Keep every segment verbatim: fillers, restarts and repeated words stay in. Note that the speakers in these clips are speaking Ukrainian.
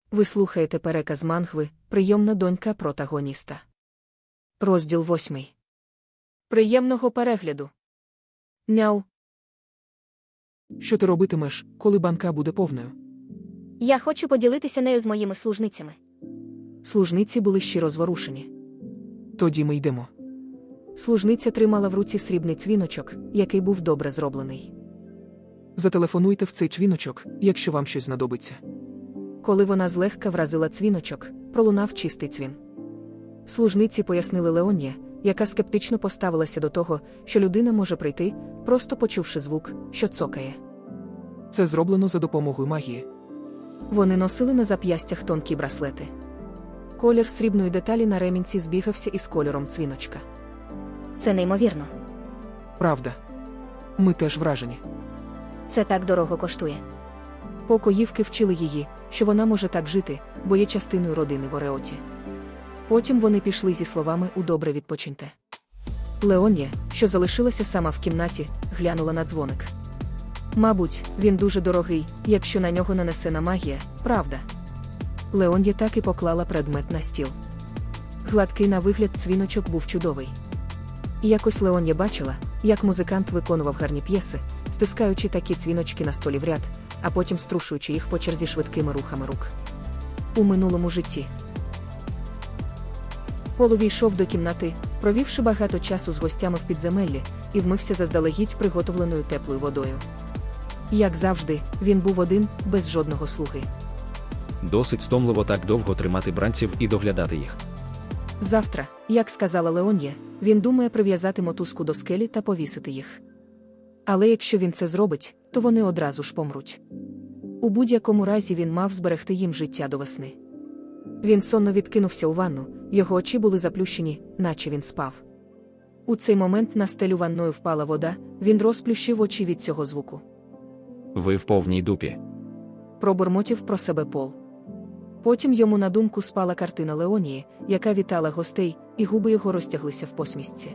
Ви слухаєте переказ мангви «Прийомна донька протагоніста». Розділ восьмий. Приємного перегляду. Няу. Що ти робитимеш, коли банка буде повною? Я хочу поділитися нею з моїми служницями. Служниці були щиро зворушені. Тоді ми йдемо. Служниця тримала в руці срібний цвіночок, який був добре зроблений. Зателефонуйте в цей цвіночок, якщо вам щось знадобиться. Коли вона злегка вразила цвіночок, пролунав чистий цвін. Служниці пояснили Леон'є, яка скептично поставилася до того, що людина може прийти, просто почувши звук, що цокає. Це зроблено за допомогою магії. Вони носили на зап'ястях тонкі браслети. Колір срібної деталі на ремінці збігався із кольором цвіночка. Це неймовірно. Правда. Ми теж вражені. Це так дорого коштує. Покоївки вчили її, що вона може так жити, бо є частиною родини в Ореоті. Потім вони пішли зі словами «У добре відпочиньте». Леон'є, що залишилася сама в кімнаті, глянула на дзвоник. Мабуть, він дуже дорогий, якщо на нього нанесена магія, правда? Леон'є так і поклала предмет на стіл. Гладкий на вигляд цвіночок був чудовий. І якось Леон'є бачила, як музикант виконував гарні п'єси, стискаючи такі цвіночки на столі в ряд, а потім струшуючи їх по черзі швидкими рухами рук. У минулому житті. Пол увійшов до кімнати, провівши багато часу з гостями в підземеллі, і вмився заздалегідь приготовленою теплою водою. Як завжди, він був один, без жодного слуги. Досить стомливо так довго тримати бранців і доглядати їх. Завтра, як сказала Леон'є, він думає прив'язати мотузку до скелі та повісити їх. Але якщо він це зробить, то вони одразу ж помруть. У будь-якому разі він мав зберегти їм життя до весни. Він сонно відкинувся у ванну, його очі були заплющені, наче він спав. У цей момент на стелю ванною впала вода, він розплющив очі від цього звуку. Ви в повній дупі. Пробурмотів про себе Пол. Потім йому на думку спала картина Леонії, яка вітала гостей, і губи його розтяглися в посмішці.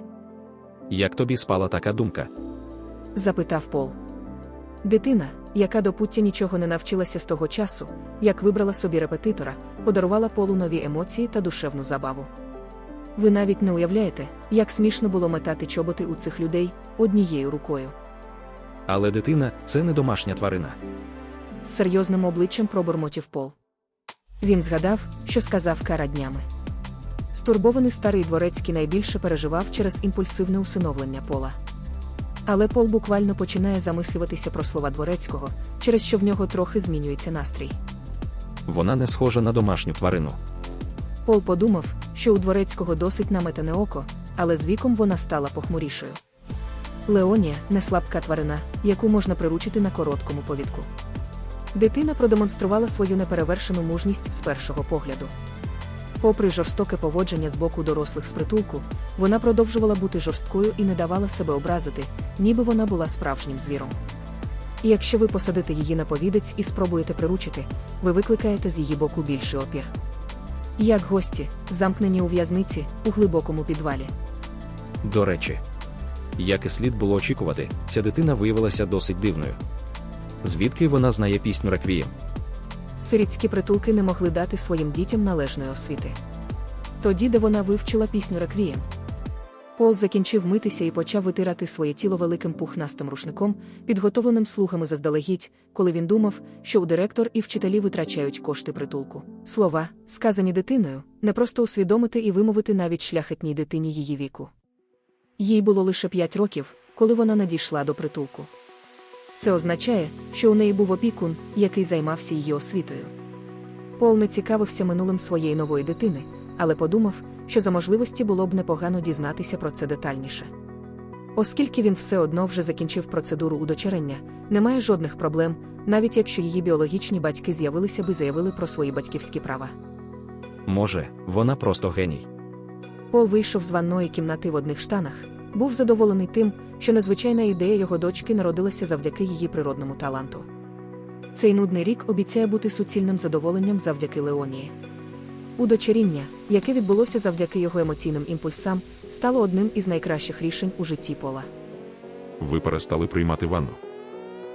Як тобі спала така думка? Запитав Пол. Дитина, яка до пуття нічого не навчилася з того часу, як вибрала собі репетитора, подарувала Полу нові емоції та душевну забаву. Ви навіть не уявляєте, як смішно було метати чоботи у цих людей однією рукою. Але дитина – це не домашня тварина. З серйозним обличчям пробурмотів Пол. Він згадав, що сказав Кара днями. Стурбований старий дворецький найбільше переживав через імпульсивне усиновлення Пола. Але Пол буквально починає замислюватися про слова дворецького, через що в нього трохи змінюється настрій. Вона не схожа на домашню тварину. Пол подумав, що у дворецького досить наметане око, але з віком вона стала похмурішою. Леонія – не слабка тварина, яку можна приручити на короткому повідку. Дитина продемонструвала свою неперевершену мужність з першого погляду. Попри жорстоке поводження з боку дорослих з притулку, вона продовжувала бути жорсткою і не давала себе образити, ніби вона була справжнім звіром. І якщо ви посадите її на повідець і спробуєте приручити, ви викликаєте з її боку більший опір. Як гості, замкнені у в'язниці, у глибокому підвалі. До речі, як і слід було очікувати, ця дитина виявилася досить дивною. Звідки вона знає пісню «Реквієм»? Сирітські притулки не могли дати своїм дітям належної освіти. Тоді, де вона вивчила пісню «Реквієм». Пол закінчив митися і почав витирати своє тіло великим пухнастим рушником, підготовленим слугами заздалегідь, коли він думав, що у директор і вчителі витрачають кошти притулку. Слова, сказані дитиною, не просто усвідомити і вимовити навіть шляхетній дитині її віку. Їй було лише п'ять років, коли вона надійшла до притулку. Це означає, що у неї був опікун, який займався її освітою. Пол не цікавився минулим своєї нової дитини, але подумав, що за можливості було б непогано дізнатися про це детальніше. Оскільки він все одно вже закінчив процедуру удочерення, немає жодних проблем, навіть якщо її біологічні батьки з'явилися б і заявили про свої батьківські права. Може, вона просто геній. Пол вийшов з ванної кімнати в одних штанах, був задоволений тим, що незвичайна ідея його дочки народилася завдяки її природному таланту. Цей нудний рік обіцяє бути суцільним задоволенням завдяки Леонії. Удочеріння, яке відбулося завдяки його емоційним імпульсам, стало одним із найкращих рішень у житті Пола. Ви перестали приймати ванну?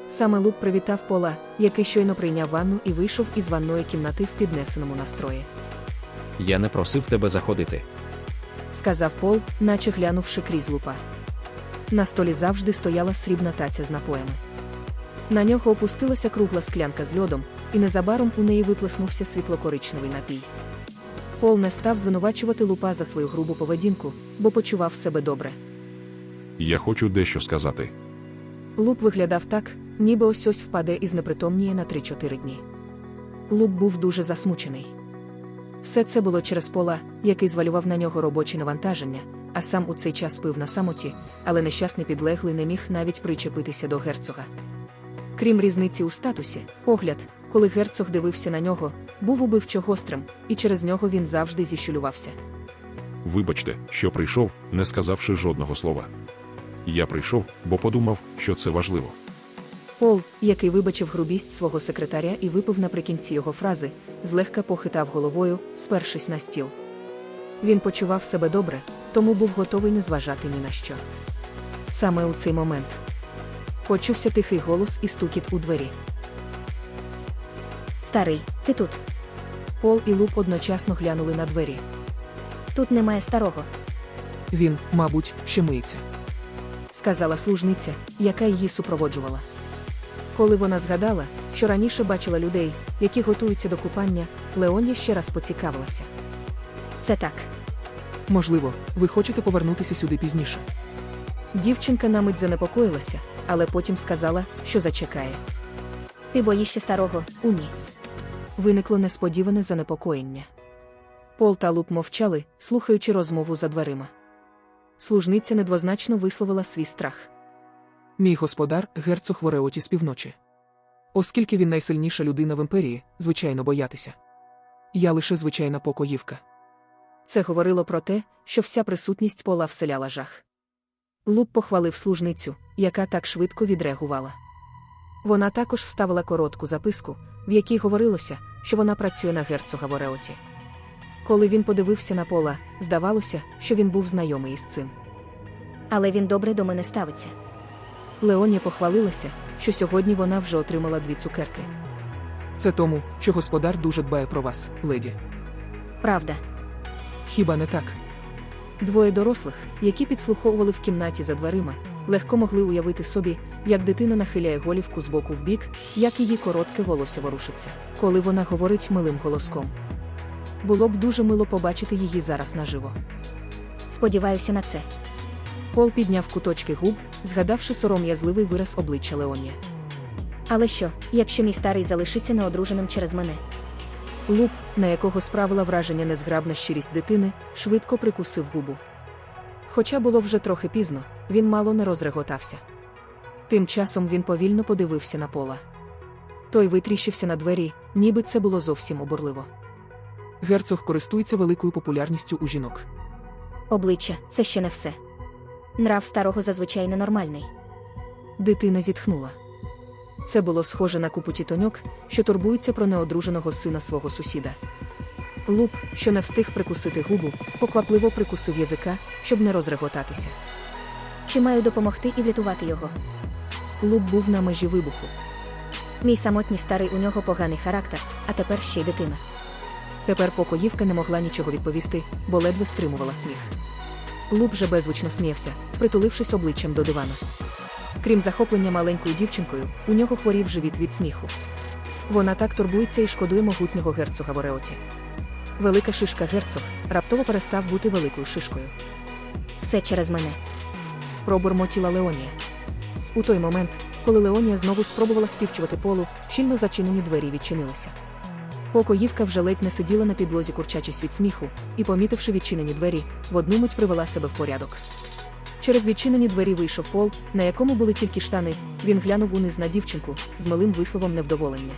Саме Луп привітав Пола, який щойно прийняв ванну і вийшов із ванної кімнати в піднесеному настрої. Я не просив тебе заходити. Сказав Пол, наче глянувши крізь Лупа. На столі завжди стояла срібна таця з напоями. На нього опустилася кругла склянка з льодом, і незабаром у неї виплеснувся світло-коричневий напій. Пол не став звинувачувати Лупа за свою грубу поведінку, бо почував себе добре. Я хочу дещо сказати. Луп виглядав так, ніби ось-ось впаде і знепритомніє на три-чотири дні. Луп був дуже засмучений. Все це було через Пола, який звалював на нього робочі навантаження, а сам у цей час пив на самоті, але нещасний підлеглий не міг навіть причепитися до герцога. Крім різниці у статусі, погляд, коли герцог дивився на нього, був убивчо гострим, і через нього він завжди зіщулювався. Вибачте, що прийшов, не сказавши жодного слова. Я прийшов, бо подумав, що це важливо. Пол, який вибачив грубість свого секретаря і випив наприкінці його фрази, злегка похитав головою, спершись на стіл. Він почував себе добре, тому був готовий не зважати ні на що. Саме у цей момент почувся тихий голос і стукіт у двері. Старий, ти тут. Пол і Луп одночасно глянули на двері. Тут немає старого. Він, мабуть, ще миється. Сказала служниця, яка її супроводжувала. Коли вона згадала, що раніше бачила людей, які готуються до купання, Леонія ще раз поцікавилася. Це так. Можливо, ви хочете повернутися сюди пізніше. Дівчинка на мить занепокоїлася, але потім сказала, що зачекає. Ти боїшся старого, Уні. Виникло несподіване занепокоєння. Пол та Луп мовчали, слухаючи розмову за дверима. Служниця недвозначно висловила свій страх. Мій господар – герцог Вореоті з півночі. Оскільки він найсильніша людина в імперії, звичайно боятися. Я лише звичайна покоївка. Це говорило про те, що вся присутність Пола вселяла жах. Луп похвалив служницю, яка так швидко відреагувала. Вона також вставила коротку записку, в якій говорилося, що вона працює на герцога Вореоті. Коли він подивився на Пола, здавалося, що він був знайомий із цим. Але він добре до мене ставиться. Леонія похвалилася, що сьогодні вона вже отримала дві цукерки. Це тому, що господар дуже дбає про вас, леді. Правда. Хіба не так? Двоє дорослих, які підслуховували в кімнаті за дверима, легко могли уявити собі, як дитина нахиляє голівку з боку в бік, як її коротке волосся ворушиться, коли вона говорить милим голоском. Було б дуже мило побачити її зараз наживо. Сподіваюся на це. Пол підняв куточки губ, згадавши сором'язливий вираз обличчя Леонія. Але що, якщо мій старий залишиться неодруженим через мене? Луп, на якого справила враження незграбна щирість дитини, швидко прикусив губу. Хоча було вже трохи пізно, він мало не розреготався. Тим часом він повільно подивився на Пола. Той витріщився на двері, ніби це було зовсім обурливо. Герцог користується великою популярністю у жінок. Обличчя – це ще не все. Нрав старого зазвичай ненормальний. Дитина зітхнула. Це було схоже на купу тітоньок, що турбуються про неодруженого сина свого сусіда. Луп, що не встиг прикусити губу, поквапливо прикусив язика, щоб не розреготатися. Чи маю допомогти і врятувати його? Луп був на межі вибуху. Мій самотній старий, у нього поганий характер, а тепер ще й дитина. Тепер покоївка не могла нічого відповісти, бо ледве стримувала сміх. Луп же беззвучно сміявся, притулившись обличчям до дивана. Крім захоплення маленькою дівчинкою, у нього хворів живіт від сміху. Вона так турбується і шкодує могутнього герцога Вореоті. Велика шишка герцог раптово перестав бути великою шишкою. Все через мене. Пробурмотіла Леонія. У той момент, коли Леонія знову спробувала співчувати Полу, щільно зачинені двері відчинилися. Покоївка вже ледь не сиділа на підлозі, курчачись від сміху, і, помітивши відчинені двері, в одну мить привела себе в порядок. Через відчинені двері вийшов Пол, на якому були тільки штани. Він глянув униз на дівчинку з милим висловом невдоволення.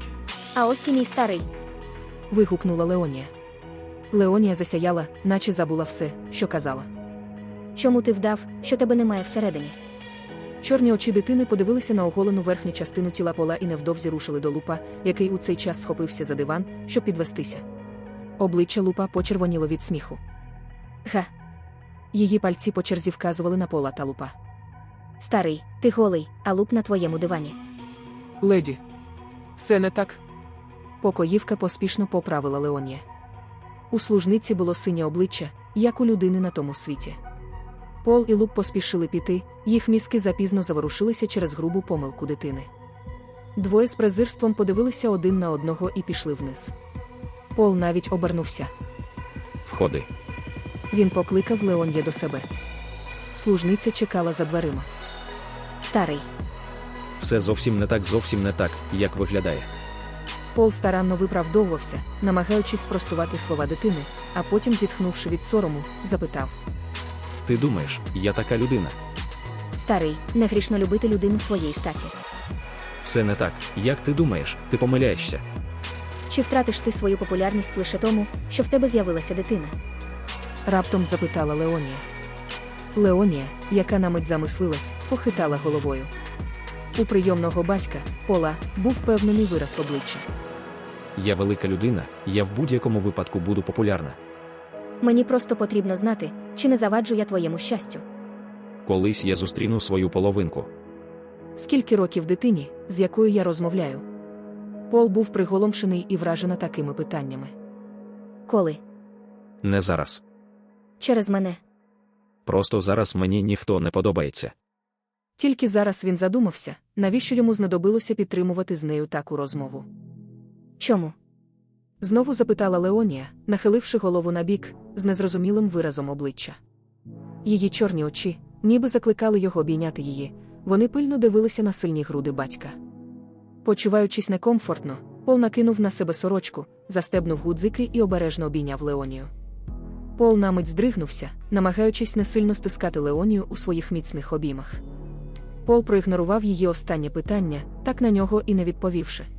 А ось і мій старий. Вигукнула Леонія. Леонія засяяла, наче забула все, що казала. Чому ти вдав, що тебе немає всередині? Чорні очі дитини подивилися на оголену верхню частину тіла Пола і невдовзі рушили до Лупа, який у цей час схопився за диван, щоб підвестися. Обличчя Лупа почервоніло від сміху. Га. Її пальці по черзі вказували на Пола та Лупа. Старий, ти голий, а Луп на твоєму дивані. Леді. Все не так. Покоївка поспішно поправила Леонія. У служниці було синє обличчя, як у людини на тому світі. Пол і Лук поспішили піти, їх мізки запізно заворушилися через грубу помилку дитини. Двоє з презирством подивилися один на одного і пішли вниз. Пол навіть обернувся. Входи. Він покликав Леонія до себе. Служниця чекала за дверима. Старий. Все зовсім не так, зовсім не так, як виглядає. Пол старанно виправдовувався, намагаючись спростувати слова дитини, а потім, зітхнувши від сорому, запитав. Ти думаєш, я така людина? Старий, не грішно любити людину своєї статі. Все не так, як ти думаєш, ти помиляєшся. Чи втратиш ти свою популярність лише тому, що в тебе з'явилася дитина? Раптом запитала Леонія. Леонія, яка на мить замислилась, похитала головою. У прийомного батька, Пола, був впевнений вираз обличчя. Я велика людина, я в будь-якому випадку буду популярна. Мені просто потрібно знати, чи не заваджу я твоєму щастю. Колись я зустріну свою половинку. Скільки років дитині, з якою я розмовляю? Пол був приголомшений і вражений такими питаннями. Коли? Не зараз. Через мене. Просто зараз мені ніхто не подобається. Тільки зараз він задумався, навіщо йому знадобилося підтримувати з нею таку розмову. Чому? Знову запитала Леонія, нахиливши голову набік, з незрозумілим виразом обличчя. Її чорні очі, ніби закликали його обійняти її, вони пильно дивилися на сильні груди батька. Почуваючись некомфортно, Пол накинув на себе сорочку, застебнув гудзики і обережно обійняв Леонію. Пол на мить здригнувся, намагаючись не сильно стискати Леонію у своїх міцних обіймах. Пол проігнорував її останнє питання, так на нього і не відповівши.